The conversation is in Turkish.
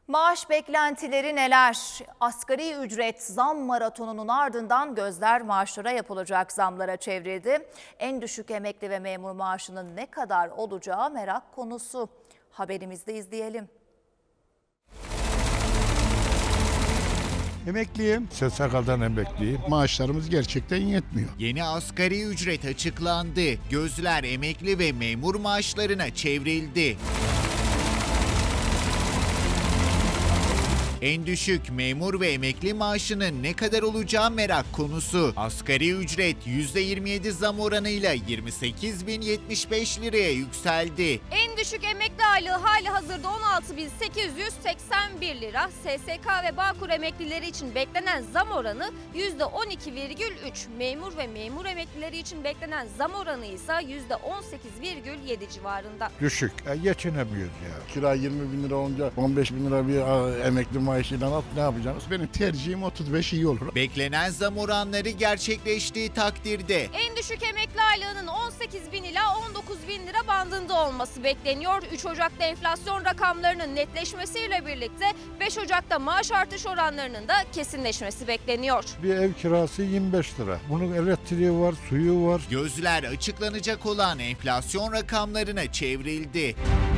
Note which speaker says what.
Speaker 1: Maaş beklentileri neler? Asgari ücret zam maratonunun ardından gözler maaşlara yapılacak zamlara çevrildi. En düşük emekli ve memur maaşının ne kadar olacağı merak konusu. Haberimizde izleyelim.
Speaker 2: Emekliyim. SSK'dan emekliyim. Maaşlarımız gerçekten yetmiyor.
Speaker 3: Yeni asgari ücret açıklandı. Gözler emekli ve memur maaşlarına çevrildi. En düşük memur ve emekli maaşının ne kadar olacağı merak konusu. Asgari ücret %27 zam oranıyla 28.075 liraya yükseldi.
Speaker 4: En düşük emekli aylığı hali hazırda 16.881 lira. SSK ve Bağkur emeklileri için beklenen zam oranı %12,3. Memur ve memur emeklileri için beklenen zam oranı ise %18,7 civarında.
Speaker 2: Düşük. Geçinemiyoruz ya.
Speaker 5: Kira 20 bin lira olunca 15 bin lira bir emekli maaşıyla ne yapacağız?
Speaker 2: Benim tercihim 35 iyi olur.
Speaker 3: Beklenen zam oranları gerçekleştiği takdirde
Speaker 4: En düşük emekli aylığının 18 bin ila 19 bin lira bandında olması bekleniyor. 3 Ocak'ta enflasyon rakamlarının netleşmesiyle birlikte 5 Ocak'ta maaş artış oranlarının da kesinleşmesi bekleniyor.
Speaker 2: Bir ev kirası 25 lira. Bunun elektriği var, suyu var.
Speaker 3: gözler açıklanacak olan enflasyon rakamlarına çevrildi.